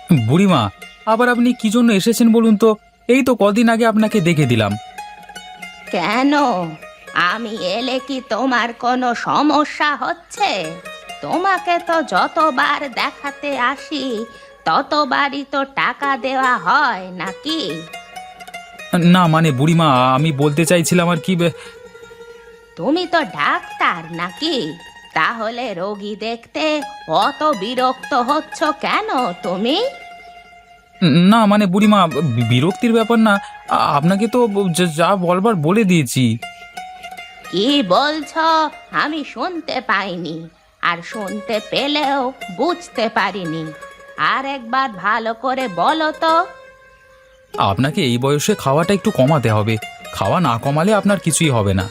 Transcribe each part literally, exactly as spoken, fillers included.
বুড়িমা, আবার আপনি কি জন্য এসেছেন বলুন তো? এই তো কদিন আগে আপনাকে দেখে দিলাম। কেন? আমি এলে কি তোমার কোনো সমস্যা হচ্ছে? তোমাকে তো যতবার দেখাতে আসি ততবারই তো টাকা দেওয়া হয় নাকি? না মানে বুড়িমা, আমি বলতে চাইছিলাম আর কি বে- তুমি তো ডাক্তার নাকি? তাহলে রোগী দেখতে অত বিরক্ত হচ্ছ কেন তুমি? না মানে বুড়িমা, বি- বিরক্তির ব্যাপার না। আ- আপনাকে তো যা যা বলবার বলে দিয়েছি। কি বলছো? আমি শুনতে পাইনি, আর শুনতে পেলেও বুঝতে পারিনি। আর একবার ভালো করে বলো তো। আপনাকে এই বয়সে খাওয়াটা একটু কমাতে হবে। খাওয়া না কমালে আপনার কিছুই হবে না।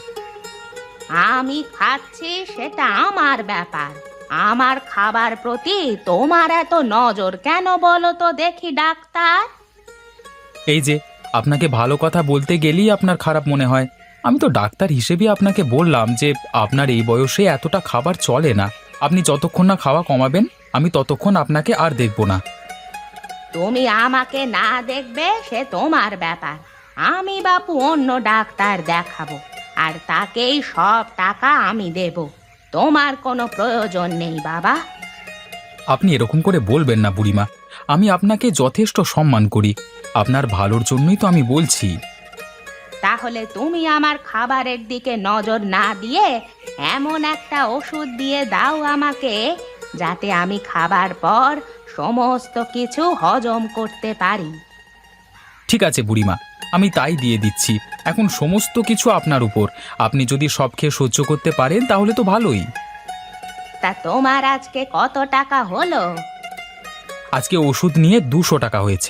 আমি খাচ্ছি সেটা আমার ব্যাপার। আমার খাবার প্রতি তোমার এত নজর কেন বলো তো দেখি ডাক্তার? এই যে, আপনাকে ভালো কথা বলতে গেলেই আপনার খারাপ মনে হয়। আমি তো ডাক্তার হিসেবে আপনাকে বললাম যে আপনার এই বয়সে এতটা খাবার চলে না। আপনি যতক্ষণ না খাওয়া কমাবেন, আমি ততক্ষণ আপনাকে আর দেখব না। তুমি আমাকে না দেখবে সে তোমার ব্যাপার। আমি বাপু অন্য ডাক্তার দেখাবো, আর তাকেই সব টাকা আমি দেব। তোমার কোনো প্রয়োজন নেই বাবা। আপনি এরকম করে বলবেন না বুড়িমা। আমি আপনাকে যথেষ্ট সম্মান করি। আপনার ভালোর জন্যই তো আমি বলছি। তাহলে তুমি আমার খাবারের দিকে নজর না দিয়ে এমন একটা ওষুধ দিয়ে দাও আমাকে, যাতে আমি খাবার পর সমস্ত কিছু হজম করতে পারি। ঠিক আছে বুড়িমা, আমি তাই দিয়ে দিচ্ছি। এখন সমস্ত কিছু আপনার উপর। আপনি যদি সব খেয়ে সহ্য করতে পারেন তাহলে তো ভালোই। তা তোমার আজকে কত টাকা হলো? আজকে ওষুধ নিয়ে দুশো টাকা হয়েছে।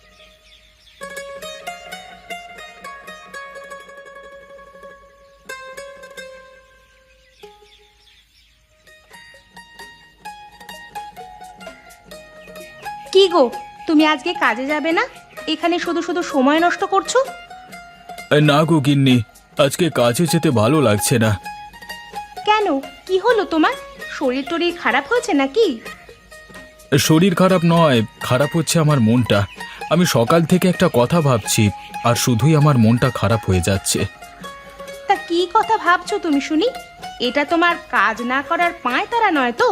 কি গো, তুমি আজকে কাজে যাবে না? এখানে শুধু শুধু সময় নষ্ট করছো। না গো গিন্নি, আজকে কাজে যেতে ভালো লাগছে না। কেন, কি হলো তোমার? শরীর টরীর খারাপ হয়েছে নাকি? শরীর খারাপ নয়, খারাপ হচ্ছে আমার মনটা। আমি সকাল থেকে একটা কথা ভাবছি, আর শুধুই আমার মনটা খারাপ হয়ে যাচ্ছে। তা কি কথা ভাবছো তুমি শুনি? এটা তোমার কাজ না করার পায় তারা নয় তো?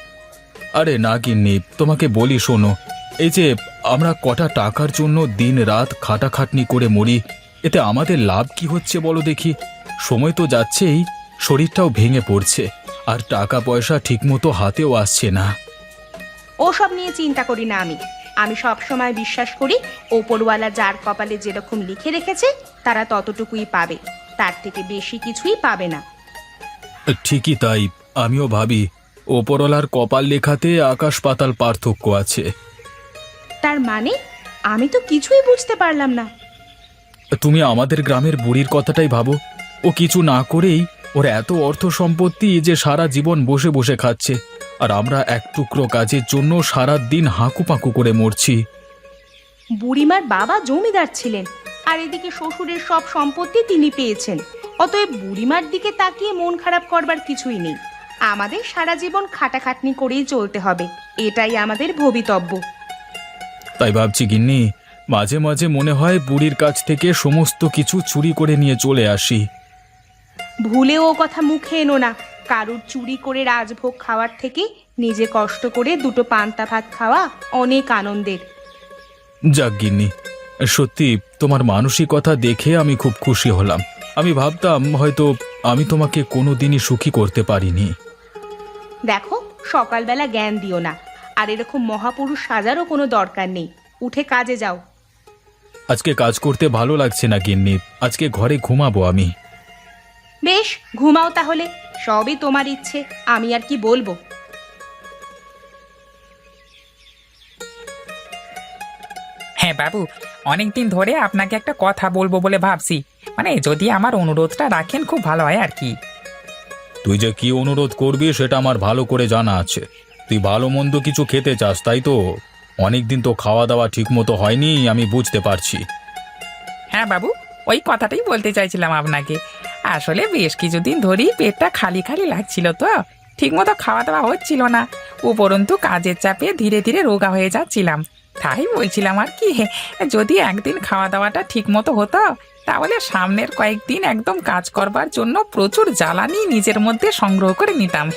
আরে না গিন্নি, তোমাকে বলি শোনো। এই যে আমরা কটা টাকার জন্য দিন রাত খাটাখাটনি করে মরি, এতে আমাদের লাভ কি হচ্ছে বলো দেখি? সময় তো যাচ্ছেই, শরীরটাও ভেঙে পড়ছে, আর টাকা পয়সা ঠিকমতো হাতেও আসছে না। ওসব নিয়ে চিন্তা করি না আমি। আমি সব সময় বিশ্বাস করি ওপরওয়ালা যার কপালে যেরকম লিখে রেখেছে তারা ততটুকুই পাবে, তার থেকে বেশি কিছুই পাবে না। ঠিকই তাই, আমিও ভাবি ওপরওয়ালার কপাল লেখাতে আকাশ পাতাল পার্থক্য আছে। তার মানে? আমি তো কিছুই বুঝতে পারলাম না। তুমি আমাদের গ্রামের বুড়ির কথাটাই ভাবো। ও কিছু না করেই ওর এত অর্থ সম্পত্তি যে সারা জীবন বসে বসে খাচ্ছে, আর আমরা এক টুকরো কাজের জন্য সারা দিন হাঁকুপাঁকু করে মরছি। বুড়িমার বাবা জমিদার ছিলেন, আর এদিকে শ্বশুরের সব সম্পত্তি তিনি পেয়েছেন। অতএব বুড়িমার দিকে তাকিয়ে মন খারাপ করবার কিছুই নেই। আমাদের সারা জীবন খাটাখাটনি করেই চলতে হবে, এটাই আমাদের ভবিতব্য। তাই ভাবছি গিন্নি, মাঝে মাঝে মনে হয় বুড়ির কাছ থেকে সমস্ত কিছু চুরি করে নিয়ে চলে আসি। ভুলেও ও কথা মুখে এনো না। কারুর চুরি করে রাজভোগ খাওয়ার থেকে নিজে কষ্ট করে দুটো পান্তা ভাত খাওয়া অনেক আনন্দের। যাক গিন্নি, সত্যি তোমার মানসিকতা দেখে আমি খুব খুশি হলাম। আমি ভাবতাম হয়তো আমি তোমাকে কোনোদিনই সুখী করতে পারিনি। দেখো, সকালবেলা জ্ঞান দিও না। আর এরকম মহাপুরুষ সাজারও কোনো দরকার নেই। উঠে কাজে যাও। আজকে কাজ করতে ভালো লাগছে না গিন্নি, আজকে ঘরে ঘুমাবো আমি। বেশ, ঘুমাও তাহলে। সবই তোমার ইচ্ছে, আমি আর কি বলবো। হ্যাঁ বাবু, অনেক দিন ধরে আপনাকে একটা কথা বলবো বলে ভাবছি। মানে যদি আমার অনুরোধটা রাখেন খুব ভালো হয় আর কি। তুই যে কি অনুরোধ করবি সেটা আমার ভালো করে জানা আছে। তুই ভালো মন্দ কিছু খেতে চাস, তাই তো? অনেকদিন তো খাওয়া দাওয়া ঠিক মতো হয়নি, আমি বুঝতে পারছি। হ্যাঁ বাবু, ওই কথাটাই বলতে চাইছিলাম আপনাকে। আসলে বেশ কিছুদিন ধরেই পেটটা খালি খালি লাগছিল, তো ঠিকমতো খাওয়া দাওয়া হচ্ছিল না। উপরন্তু কাজের চাপে ধীরে ধীরে রোগা হয়ে যাচ্ছিলাম। তাই বলছিলাম আর কি, যদি একদিন খাওয়া দাওয়াটা ঠিক মতো হতো তাহলে সামনের কয়েকদিন একদম কাজ করবার জন্য প্রচুর জ্বালানি নিজের মধ্যে সংগ্রহ করে নিতাম।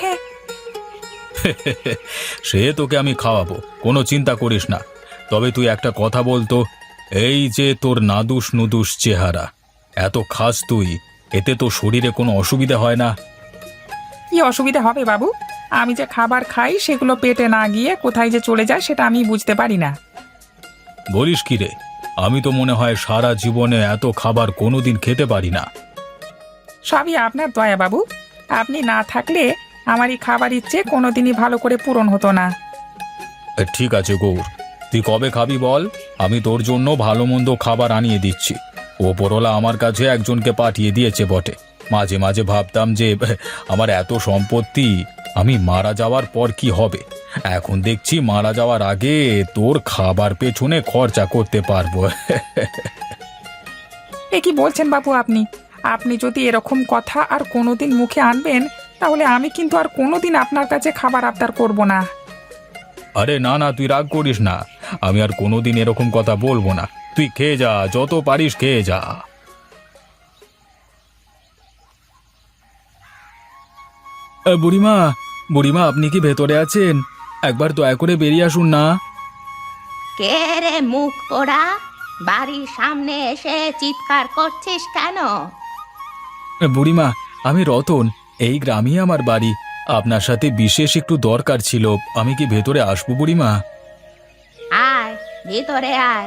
সে তোকে আমি খাওয়াবো, কোনো চিন্তা করিস না। তবে তুই একটা কথা বলতো, এই যে তোর নাদুস নুদুস চেহারা, এত খাস তুই, এতে তো শরীরে কোনো অসুবিধা হয় না? কি অসুবিধা হবে বাবু? আমি যে খাবার খাই সেগুলো পেটে না গিয়ে কোথায় যে চলে যায় সেটা আমি বুঝতে পারি না। বলিস কি রে? আমি তো মনে হয় সারা জীবনে এত খাবার কোনোদিন খেতে পারি না। সবই আপনার দয়া বাবু, আপনি না থাকলে আমার এই খাবার ইচ্ছে কোনোদিনই ভালো করে পূরণ হতো না। এ, ঠিক আছে গৌর, তুই কবে খাবি বল, আমি তোর জন্য ভালো মন্দ খাবার আনিয়ে দিচ্ছি। ওপরওয়ালা আমার কাছে একজনকে পাঠিয়ে দিয়েছে বটে। মাঝে মাঝে ভাবতাম যে আমার এত সম্পত্তি, আমি মারা যাওয়ার পর কি হবে। এখন দেখছি মারা যাওয়ার আগে তোর খাবার পেছনে খরচা করতে পারবো। এ কি বলছেন বাবু আপনি? আপনি যদি এরকম কথা আর কোনোদিন মুখে আনবেন তাহলে আমি কিন্তু আর কোনোদিন আপনার কাছে খাবার আবদার করব না। আরে না না, তুই রাগ করিস না, আমি আর কোনোদিন এরকম কথা বলবো না। তুই খেয়ে যা, যত পারিস খেয়ে যা। এ, বুড়িমা, বুড়িমা আপনি কি ভেতরে আছেন? একবার দয়া করে বেরিয়ে আসুন না। কে রে মুখ পোড়া, বাড়ির সামনে এসে চিৎকার করছিস কেন? এ, বুড়িমা, আমি রতন, এই গ্রামেই আমার বাড়ি। আপনার সাথে বিশেষ একটু দরকার ছিল, আমি কি ভেতরে আসবো বুড়িমা? আয়, ভিতরে আয়।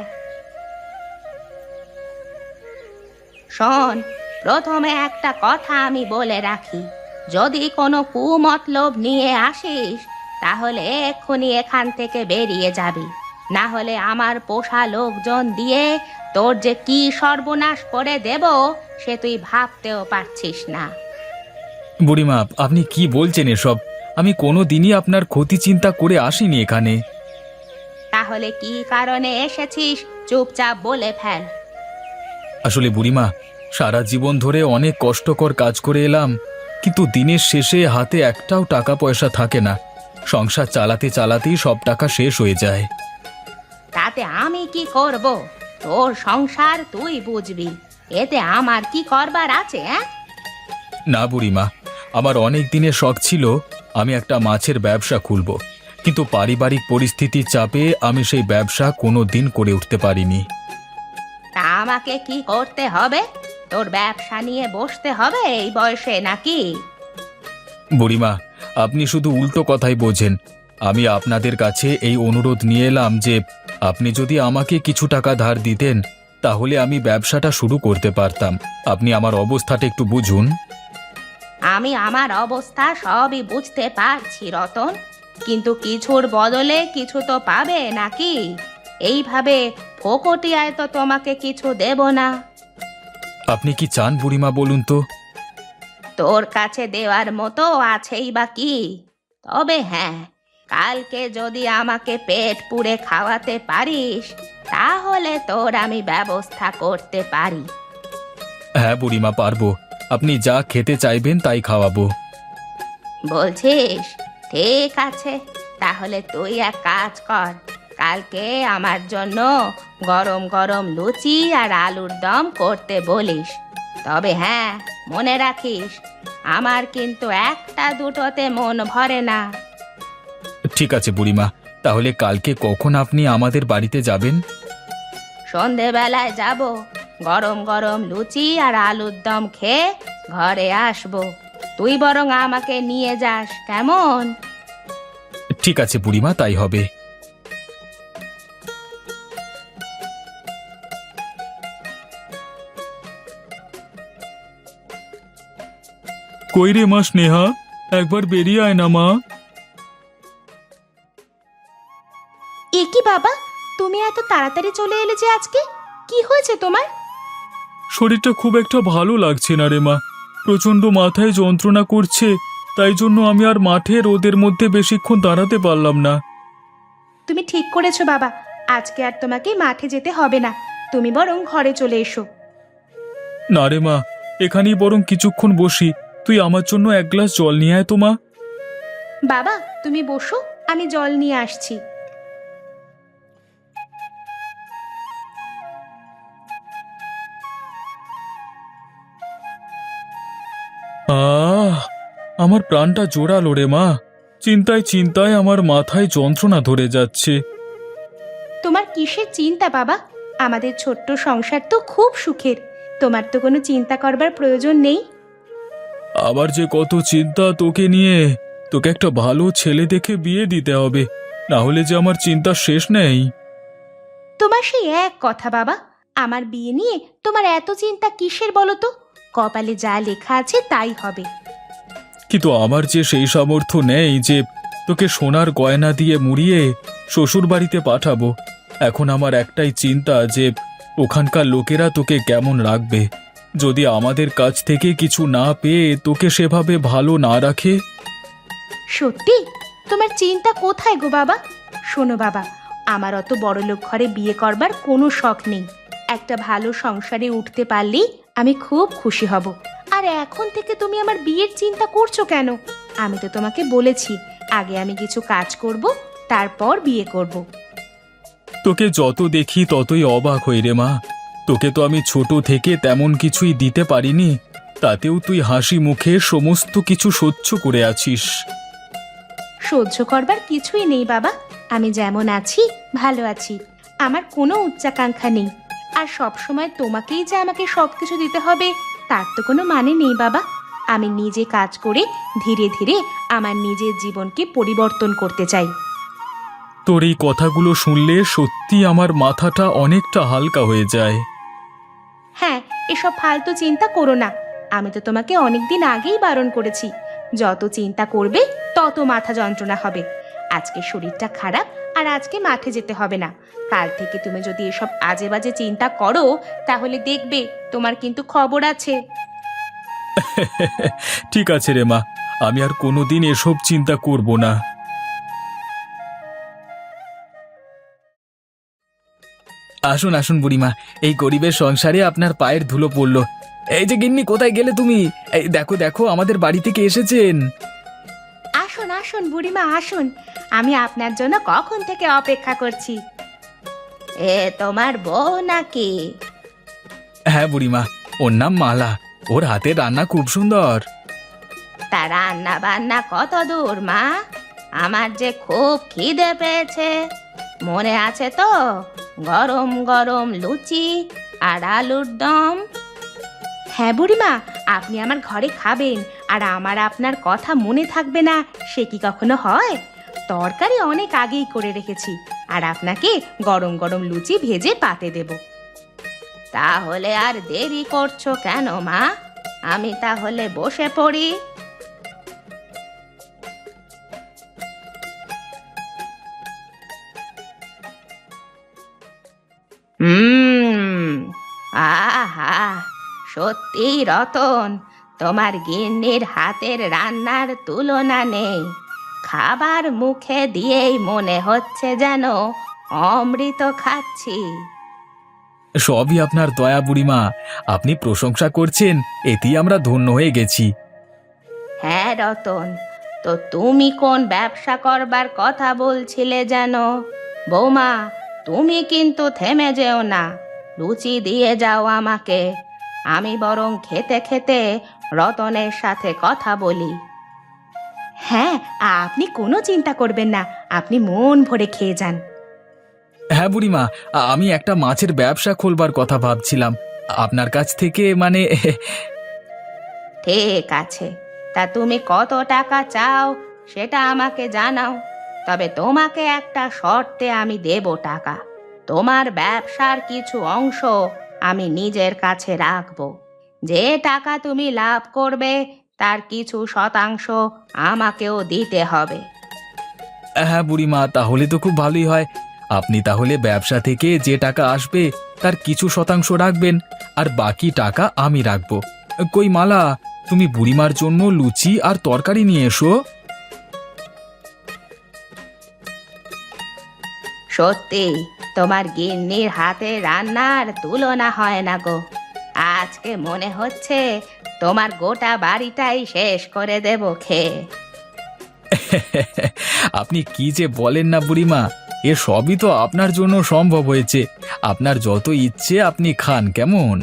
শোন, প্রথমে একটা কথা আমি বলে রাখি, যদি কোনো কুমতলব নিয়ে আসিস তাহলে এক্ষুনি এখান থেকে বেরিয়ে যাবি, না হলে আমার পোষা লোকজন দিয়ে তোর যে কি সর্বনাশ করে দেব সে তুই ভাবতেও পারছিস না। বুড়িমা, আপনি কি বলছেন এসব? আমি কোনো দিনই আপনার ক্ষতি চিন্তা করে আসিনি এখানে। তাহলে কি কারণে এসেছিস চুপচাপ বলে ফেল। আসলে বুড়িমা, সারা জীবন ধরে অনেক কষ্টকর কাজ করে এলাম, কিন্তু দিনের শেষে হাতে একটাও টাকা পয়সা থাকে না। সংসার চালাতে চালাতেই সব টাকা শেষ হয়ে যায়। তাতে আমি কি করব? তোর সংসার তুই বুঝবি, এতে আমার কি করবার আছে? হ্যাঁ, না বুড়িমা, আমার অনেক দিনের শখ ছিল আমি একটা মাছের ব্যবসা খুলব, কিন্তু পারিবারিক পরিস্থিতির চাপে আমি সেই ব্যবসা কোনো দিন করে উঠতে পারিনি। তা আমাকে কি করতে হবে? তোর ব্যবসা নিয়ে বসতে হবে এই বয়সে নাকি? বুড়িমা, আপনি শুধু উল্টো কথাই বোঝেন। আমি আপনাদের কাছে এই অনুরোধ নিয়ে এলাম যে আপনি যদি আমাকে কিছু টাকা ধার দিতেন তাহলে আমি ব্যবসাটা শুরু করতে পারতাম। আপনি আমার অবস্থাটা একটু বুঝুন। আমি আমার অবস্থা সবই বুঝতে পারছি রতন, কিন্তু কিছুর বদলে কিছু তো পাবে নাকি? এইভাবে ফোকটিয়ায় তো তোমাকে কিছু দেব না। আপনি কি চান বুড়িমা বলুন তো? তোর কাছে দেওয়ার মতো আছেই বা কি? তবে হ্যাঁ, কালকে যদি আমাকে পেট পুড়ে খাওয়াতে পারিস তাহলে তোর আমি ব্যবস্থা করতে পারি। হ্যাঁ বুড়িমা, পারবো। আপনি যা খেতে চাইবেন তাই খাওয়াবো। বলছিস? ঠিক আছে, তাহলে তুই এক কাজ কর, কালকে আমার জন্য গরম গরম লুচি আর আলুর দম করতে বলিস। তবে হ্যাঁ, মনে রাখিস আমার কিন্তু একটা দুটোতে মন ভরে না। ঠিক আছে বুড়িমা, তাহলে কালকে কখন আপনি আমাদের বাড়িতে যাবেন? সন্ধেবেলায় যাব, গরম গরম লুচি আর আলুর দম খেয়ে ঘরে আসবো। তুই বরং আমাকে নিয়ে যাস, কেমন? ঠিক আছে বুড়িমা, তাই হবে। কই রে মা স্নেহা, একবার বেরিয়ে আয় না মা। এ কি বাবা, তুমি এত তাড়াতাড়ি চলে এলে যে আজকে? কি হয়েছে তোমার? শরীরটা খুব একটা ভালো লাগছে না রে মা, প্রচন্ড মাথায় যন্ত্রণা করছে, তাই জন্য আমি আর মাঠে রোদের মধ্যে বেশিক্ষণ দাঁড়াতে পারলাম না। তুমি ঠিক করেছো বাবা, আজকে আর তোমাকে মাঠে যেতে হবে না, তুমি বরং ঘরে চলে এসো। না রে মা, এখানেই বরং কিছুক্ষণ বসি, তুই আমার জন্য এক গ্লাস জল নিয়ে আয় তো মা। বাবা তুমি বসো, আমি জল নিয়ে আসছি। আমার প্রাণটা জোড়ালো রে মা। চিন্তায় চিন্তায় আমার মাথায় যন্ত্রণা ধরে যাচ্ছে। তোমার কিসের চিন্তা বাবা? আমাদের ছোট্ট সংসার তো খুব সুখের। তোমার তো কোনো চিন্তা করবার প্রয়োজন নেই। আবার যে কত চিন্তা তোকে নিয়ে। তোকে একটা ভালো ছেলে দেখে বিয়ে দিতে হবে, না হলে যে আমার চিন্তা শেষ নেই। তোমার সেই এক কথা বাবা, আমার বিয়ে নিয়ে তোমার এত চিন্তা কিসের বলো তো? কপালে যা লেখা আছে তাই হবে। কিন্তু আমার যে সেই সামর্থ্য নেই যে তোকে সোনার গয়না দিয়ে মুড়িয়ে শ্বশুর বাড়িতে পাঠাবো। এখন আমার একটাই চিন্তা যে ওখানকার লোকেরা তোকে কেমন রাখবে, যদি আমাদের কাছ থেকে কিছু না পেয়ে তোকে সেভাবে ভালো না রাখে। সত্যি? তোমার চিন্তা কোথায় গো বাবা? শোনো বাবা, আমার অত বড়লোক ঘরে বিয়ে করবার কোনো শখ নেই। একটা ভালো সংসারে উঠতে পারলেই আমি খুব খুশি হব। আর এখন থেকে তুমি আমার বিয়ের চিন্তা করছো কেন? আমি তো তোমাকে বলেছি আগে আমি কিছু কাজ করব, তারপর বিয়ে করব। তোকে যত দেখি ততই অবাক হই রে মা। তোকে তো আমি ছোট থেকে তেমন কিছুই দিতে পারিনি, তাতেও তুই হাসি মুখে সমস্ত কিছু সহ্য করে আছিস। সহ্য করবার কিছুই নেই বাবা, আমি যেমন আছি ভালো আছি। আমার কোনো উচ্চাকাঙ্ক্ষা নেই। আর সব সময় তোমাকেই যে আমাকে সব কিছু দিতে হবে তার তো কোনো মানে নেই বাবা। আমি নিজে কাজ করে ধীরে ধীরে আমার নিজের জীবনকে পরিবর্তন করতে চাই। তোর এই কথাগুলো শুনলে সত্যি আমার মাথাটা অনেকটা হালকা হয়ে যায়। হ্যাঁ, এসব ফালতু চিন্তা করো না। আমি তো তোমাকে অনেকদিন আগেই বারণ করেছি, যত চিন্তা করবে তত মাথা যন্ত্রণা হবে। আজকে শরীরটা খারাপ আর আজকে মাঠে যেতে হবে না। কাল থেকে তুমি যদি এসব আজে বাজে চিন্তা করো তাহলে দেখবে তোমার কিন্তু খবর আছে। ঠিক আছে রে মা, আমি আর কোনোদিন এসব চিন্তা করব না। আসুন আসুন বুড়িমা, এই গরিবের সংসারে আপনার পায়ের ধুলো পড়ল। এই যে গিন্নি, কোথায় গেলে তুমি? এই দেখো দেখো, আমাদের বাড়ি থেকে এসেছেন। আসুন আসুন বুড়িমা আসুন, আমি আপনার জন্য কখন থেকে অপেক্ষা করছি। এ তোমার বউ নাকি? হ্যাঁ বুড়িমা, ওর নাম মালা। ওর হাতের রান্না খুব সুন্দর। তা রান্না বান্না কত দূর মা? আমার যে খুব খিদে পেয়েছে। মনে আছে তো গরম গরম লুচি আর আলুর দম? হ্যাঁ বুড়িমা, আপনি আমার ঘরে খাবেন আর আমার আপনার কথা মনে থাকবে না সে কি কখনো হয়? তরকারি অনেক আগেই করে রেখেছি আর আপনাকে গরম গরম লুচি ভেজে পাতে দেব। তাহলে আর দেরি করছো কেন মা? আমি তাহলে বসে পড়ি। হুম, আহা, সত্যি রতন, তোমার গিন্নির হাতের রান্নার তুলনা নেই। খাবার মুখে দিয়েই মনে হচ্ছে যেন অমৃত খাচ্ছি। সবই আপনার দয়া বুড়িমা, আপনি প্রশংসা করছেন, এতেই আমরা ধন্য হয়ে গেছি। হ্যাঁ রতন, তো তুমি কোন ব্যবসা করবার কথা বলছিলে যেন? বৌমা, তুমি কিন্তু থেমে যেও না, লুচি দিয়ে যাও আমাকে। আমি বরং খেতে খেতে রতনের সাথে কথা বলি। হ্যাঁ, আপনি কোনো চিন্তা করবেন না, আপনি মন ভরে খেয়ে যান। হ্যাঁ বুড়িমা, আমি একটা মাছের ব্যবসা খোলবার কথা ভাবছিলাম আপনার কাছ থেকে, মানে ঠিক আছে, তা তুমি কত টাকা চাও সেটা আমাকে জানাও। তবে তোমাকে একটা শর্তে আমি দেব টাকা। তোমার ব্যবসার কিছু অংশ আমি নিজের কাছে রাখবো। যে টাকা তুমি লাভ করবে তার কিছু শতাংশ আমাকেও দিতে হবে। হ্যাঁ বুড়িমা, তাহলে তো খুব ভালোই হয়। আপনি তাহলে ব্যবসা থেকে যে টাকা আসবে তার কিছু শতাংশ রাখবেন, আর বাকি টাকা আমি রাখবো। কই মালা, তুমি বুড়িমার জন্য লুচি আর তরকারি নিয়ে এসো। সত্যি তোমার গিন্নির হাতে রান্নার তুলনা হয় না গো। আজকে মনে হচ্ছে তোমার গোটা বাড়িটাই শেষ করে দেব খেয়ে। আপনি কি যে বলেন না বুড়িমা, এ সবই তো আপনার জন্য সম্ভব হয়েছে। আপনার যত ইচ্ছে আপনি খান, কেমন?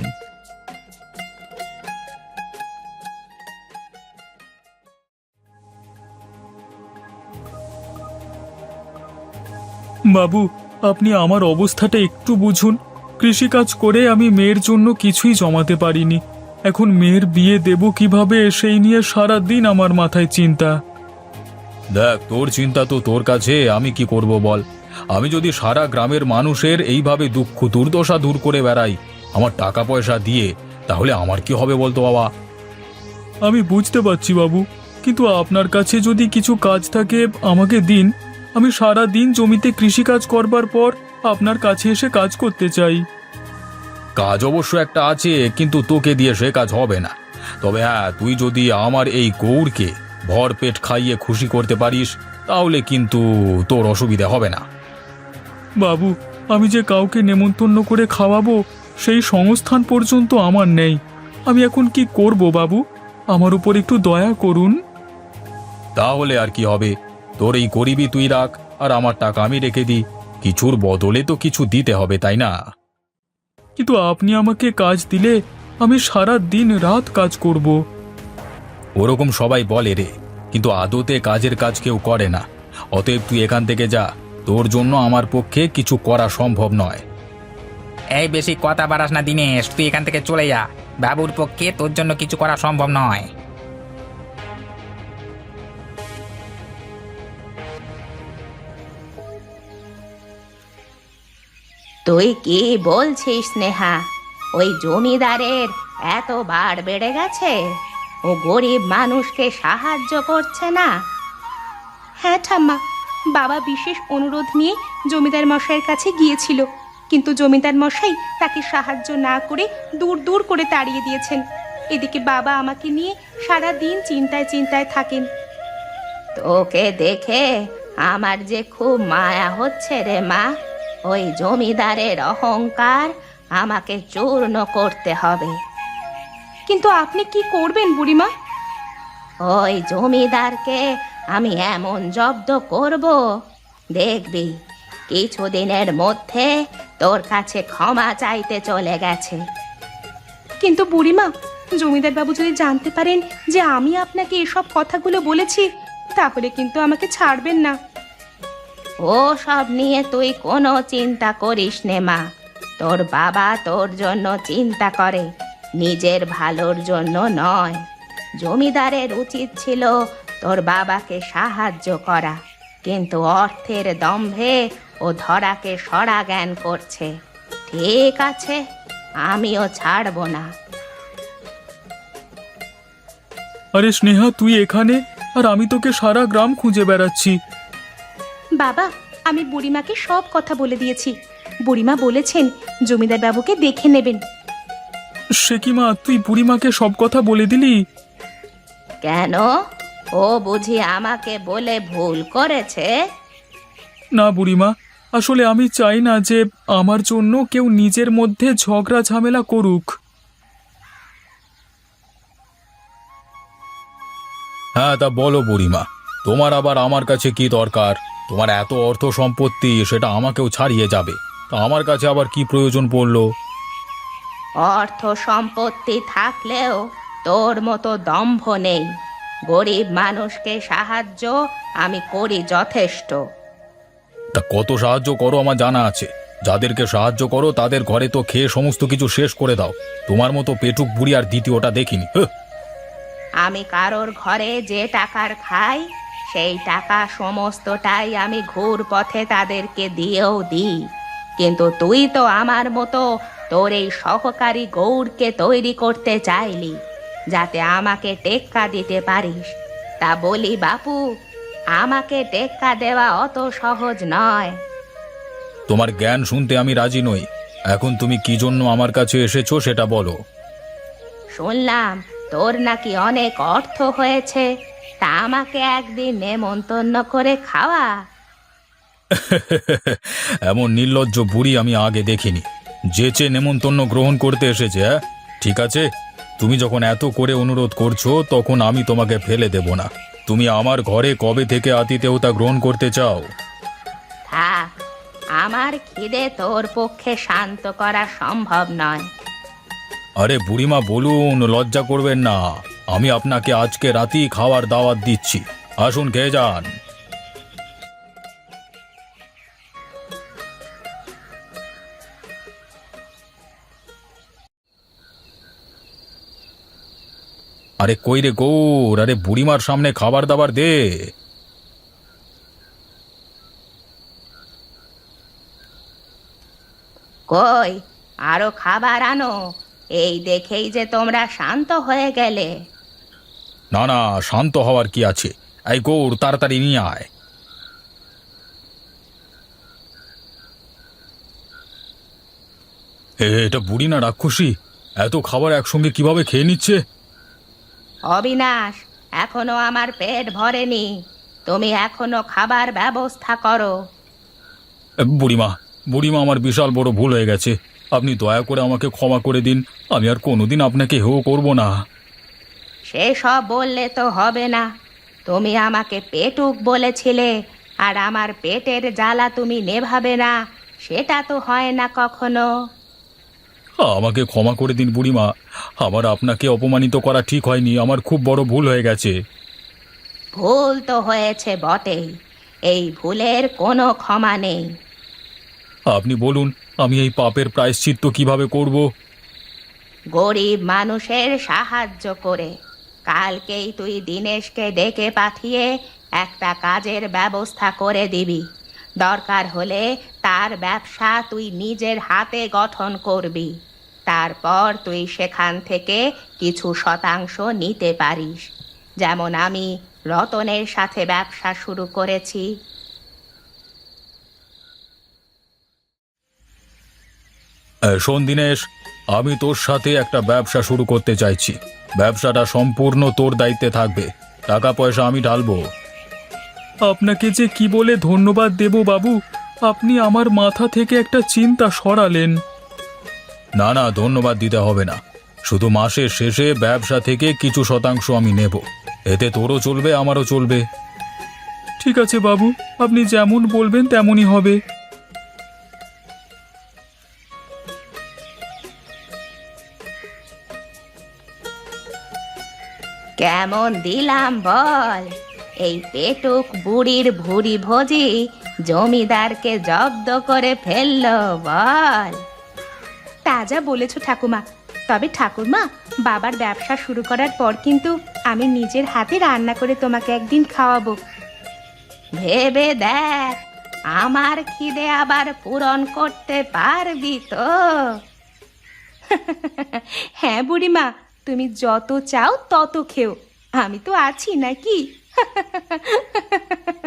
বাবু, আপনি আমার অবস্থাটা একটু বুঝুন। কৃষিকাজ করে আমি মেয়ের জন্য কিছুই জমাতে পারিনি। এখন মেয়ের বিয়ে দেব কিভাবে সেই নিয়ে সারা দিন আমার মাথায় চিন্তা। দেখ, তোর চিন্তা তো তোর কাছে, আমি কি করব বল। আমি যদি সারা গ্রামের মানুষের এইভাবে দুঃখ দুর্দশা দূর করে বেড়াই আমার টাকা পয়সা দিয়ে, তাহলে আমার কি হবে বলতো বাবা? আমি বুঝতে পারছি বাবু, কিন্তু আপনার কাছে যদি কিছু কাজ থাকে আমাকে দিন। আমি সারা দিন জমিতে কৃষিকাজ করবার পর আপনার কাছে এসে কাজ করতে চাই। কাজ অবশ্য একটা আছে, কিন্তু তোকে দিয়ে সে কাজ হবে না। তবে হ্যাঁ, তুই যদি আমার এই গৌরকে ভর পেট খাইয়ে খুশি করতে পারিস তাহলে কিন্তু তোর অসুবিধা হবে না। বাবু, আমি যে কাউকে নেমন্তন্ন করে খাওয়াবো সেই সংস্থান পর্যন্ত আমার নেই। আমি এখন কি করব বাবু? আমার উপর একটু দয়া করুন। তাহলে আর কি হবে, তোর এই গরিবই তুই রাখ, আর আমার টাকা আমি রেখে দিই। কিছুর বদলে তো কিছু দিতে হবে, তাই না? কিন্তু আপনি আমাকে কাজ দিলে আমি সারা দিন রাত কাজ করব। ওরকম সবাই বলে রে, কিন্তু আদতে কাজের কাজ কেউ করে না। অতএব তুই এখান থেকে যা, তোর জন্য আমার পক্ষে কিছু করা সম্ভব নয়। এই বেশি কথা বাড়াস না দিনেশ, তুই এখান থেকে চলে যা। বাবুর পক্ষে তোর জন্য কিছু করা সম্ভব নয়। তুই কি বলছিস স্নেহা? ওই জমিদারের এত বাড় বেড়ে গেছে, ও গরিব মানুষকে সাহায্য করছে না? হ্যাঁ ঠাম্মা, বাবা বিশেষ অনুরোধ নিয়ে জমিদার মশাইয়ের কাছে গিয়েছিল, কিন্তু জমিদার মশাই তাকে সাহায্য না করে দূর দূর করে তাড়িয়ে দিয়েছেন। এদিকে বাবা আমাকে নিয়ে সারা দিন চিন্তায় চিন্তায় থাকেন। তোকে দেখে আমার যে খুব মায়া হচ্ছে রে মা। ওই জমিদারের অহংকার আমাকে চূর্ণ করতে হবে। কিন্তু আপনি কি করবেন বুড়িমা? ওই জমিদারকে আমি এমন জব্দ করব, দেখবি কিছুদিনের মধ্যে তোর কাছে ক্ষমা চাইতে চলে গেছে। কিন্তু বুড়িমা, জমিদার বাবু যদি জানতে পারেন যে আমি আপনাকে এসব কথাগুলো বলেছি, তাহলে কিন্তু আমাকে ছাড়বেন না। ও সব নিয়ে তুই কোনো চিন্তা করিস নে মা। তোর বাবা তোর জন্য চিন্তা করে, নিজের ভালোর জন্য নয়। জমিদারের উচিত ছিল তোর বাবাকে সাহায্য করা, কিন্তু অর্থের দম্ভে ও ধরাকে সরা জ্ঞান করছে। ঠিক আছে, আমিও ছাড়ব না। আরে স্নেহা, তুই এখানে, আর আমি তোকে সারা গ্রাম খুঁজে বেড়াচ্ছি। বাবা, আমি বুড়িমাকে সব কথা বলে দিয়েছি। বুড়িমা বলেছেন জমিদার বাবুকে দেখে নেবেন। সে কি মা, তুই বুড়িমাকে সব কথা বলে দিলি? কেন? ও বুঝি আমাকে বলে ভুল করেছে? না বুড়িমা, আসলে আমি চাই না যে আমার জন্য কেউ নিজের মধ্যে ঝগড়া ঝামেলা করুক। হ্যাঁ, তা বলো বুড়িমা, তোমার আবার আমার কাছে কি দরকার? তোমার এত অর্থ সম্পত্তি, সেটা আমাকেও ছাড়িয়ে যাবে, তা আমার কাছে আবার কি প্রয়োজন পড়লো? অর্থ সম্পত্তি থাকলেও তোর মতো দম্ভ নেই। গরিব মানুষকে সাহায্য আমি করি যথেষ্ট। তা কত সাহায্য করো আমার জানা আছে। যাদেরকে সাহায্য করো তাদের ঘরে তো খেয়ে সমস্ত কিছু শেষ করে দাও। তোমার মতো পেটুক বুড়ি আর দ্বিতীয়টা দেখিনি। হ্যাঁ, আমি কারোর ঘরে যে টাকার খাই, সেই টাকা সমস্তটাই আমি ঘুর পথে তাদেরকে দিয়েও দিই। কিন্তু তুই তো আমার মতো তোর এই সহকারী গৌরকে তৈরি করতে চাইলি, যাতে আমাকে টেক্কা দিতে পারিস। তা বলি বাপু, আমাকে টেক্কা দেওয়া অত সহজ নয়। তোমার জ্ঞান শুনতে আমি রাজি নই। এখন তুমি কি জন্য আমার কাছে এসেছো সেটা বলো। শুনলাম তোর নাকি অনেক অর্থ হয়েছে, তা আমাকে একদিন নেমন্তন্ন করে খাওয়া। এমন নির্লজ্জ বুড়ি আমি আগে দেখিনি। যেচে নেমন্তন্ন গ্রহণ করতে এসেছে। হ্যাঁ, ঠিক আছে, তুমি যখন এত করে অনুরোধ করছো তখন আমি তোমাকে ফেলে দেব না। তুমি আমার ঘরে কবে থেকে আতিথেয়তা গ্রহণ করতে চাও? থাক, আমার খিদে তোর পক্ষে শান্ত করা সম্ভব নয়। আরে বুড়িমা বলুন, লজ্জা করবেন না। আমি আপনাকে আজকে রাতেই খাওয়ার দাওয়াত দিচ্ছি, আসুন খেয়ে যান। আরে কই রে গৌর, আরে বুড়িমার সামনে খাবার দাবার দে। কই আরো খাবার আনো, এই দেখেই যে তোমরা শান্ত হয়ে গেলে। না না, শান্ত হওয়ার কি আছে, এই গৌর তাড়াতাড়ি নিয়ে আয়। এ, এটা বুড়ি না রাক্ষসী? এত খাবার একসঙ্গে কিভাবে খেয়ে নিচ্ছে? অবিনাশ, এখনো আমার পেট ভরেনি, তুমি এখনো খাবার ব্যবস্থা করো। এ, বুড়িমা বুড়িমা আমার বিশাল বড় ভুল হয়ে গেছে, আপনি দয়া করে আমাকে ক্ষমা করে দিন, আমি আর কোনোদিন আপনাকে হেও করব না। সেসব বললে তো হবে না, তুমি আমাকে পেটুক বলেছিলে, আর আমার পেটের জ্বালা তুমি নেভাবে না, সেটা তো হয় না কখনো। আমাকে ক্ষমা করে দিন বুড়িমা, আমার আপনাকে অপমানিত করা ঠিক হয়নি, আমার খুব বড় ভুল হয়ে গেছে। ভুল তো হয়েছে বটেই, এই ভুলের কোনো ক্ষমা নেই। আপনি বলুন, আমি এই পাপের প্রায়শ্চিত্ত কিভাবে করব? গরিব মানুষের সাহায্য করে। কালকেই তুই দিনেশকে ডেকে পাঠিয়ে একটা কাজের ব্যবস্থা করে দিবি। দরকার হলে তার ব্যবসা তুই নিজের হাতে গঠন করবি, তারপর তুই সেখান থেকে কিছু শতাংশ নিতে পারিস, যেমন আমি রতনের সাথে ব্যবসা শুরু করেছি। এ, শোন দিনেশ, আমি তোর সাথে একটা ব্যবসা শুরু করতে চাইছি, ব্যবসাটা সম্পূর্ণ তোর দায়িত্বে থাকবে, টাকা পয়সা আমি ঢালবো। আপনাকে যে কি বলে ধন্যবাদ দেব বাবু, আপনি আমার মাথা থেকে একটা চিন্তা সরালেন। না না, ধন্যবাদ দিতে হবে না, শুধু মাসের শেষে ব্যবসা থেকে কিছু শতাংশ আমি নেব, এতে তোরও চলবে আমারও চলবে। ঠিক আছে বাবু, আপনি যেমন বলবেন তেমনই হবে। কেমন দিলাম বল? এই পেটুক বুড়ির ভুড়ি ভোজি জমিদারকে জব্দ করে ফেললো বল। তাজা বলেছ ঠাকুমা, তবে ঠাকুমা, বাবার ব্যবসা শুরু করার পর কিন্তু আমি নিজের হাতে রান্না করে তোমাকে একদিন খাওয়াবো। ভেবে দেখ, আমার খিদে আবার পূরণ করতে পারবি তো? হ্যাঁ বুড়িমা, তুমি যত চাও তত খেও, আমি তো আছি নাকি?